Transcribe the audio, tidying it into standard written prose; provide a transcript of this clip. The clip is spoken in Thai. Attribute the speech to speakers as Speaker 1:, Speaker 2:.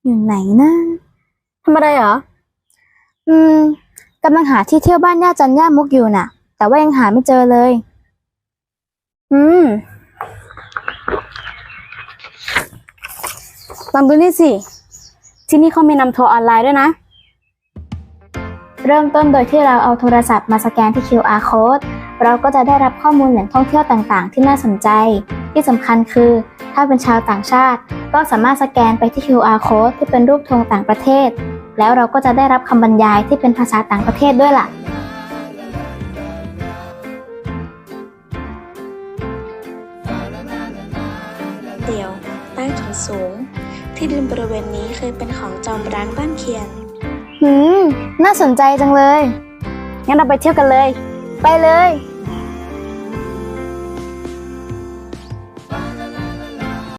Speaker 1: อยู่ไหนนะ
Speaker 2: ทำอะไรเหรอ
Speaker 1: อืมกำลังหาที่เที่ยวบ้านย่าจันย่ามุกอยู่น่ะแต่ว่ายังหาไม่เจอเลย
Speaker 2: อืมลองดูนี่สิที่นี่เขามีนำทัวร์ออนไลน์ด้วยนะ
Speaker 1: เริ่มต้นโดยที่เราเอาโทรศัพท์มาสแกนที่ QR code เราก็จะได้รับข้อมูลแหล่งท่องเที่ยวต่างๆที่น่าสนใจที่สำคัญคือถ้าเป็นชาวต่างชาติก็สามารถสแกนไปที่ QR code ที่เป็นรูปธงต่างประเทศแล้วเราก็จะได้รับคำบรรยายที่เป็นภาษาต่างประเทศด้วยล่ะ
Speaker 3: เดี่ยวใต้ถุนสูงที่ดินบริเวณนี้เคยเป็นของจอมร้างบ้านเคียน
Speaker 1: น่าสนใจจังเลย
Speaker 2: งั้นเราไปเที่ยวกันเลย
Speaker 1: ไปเลย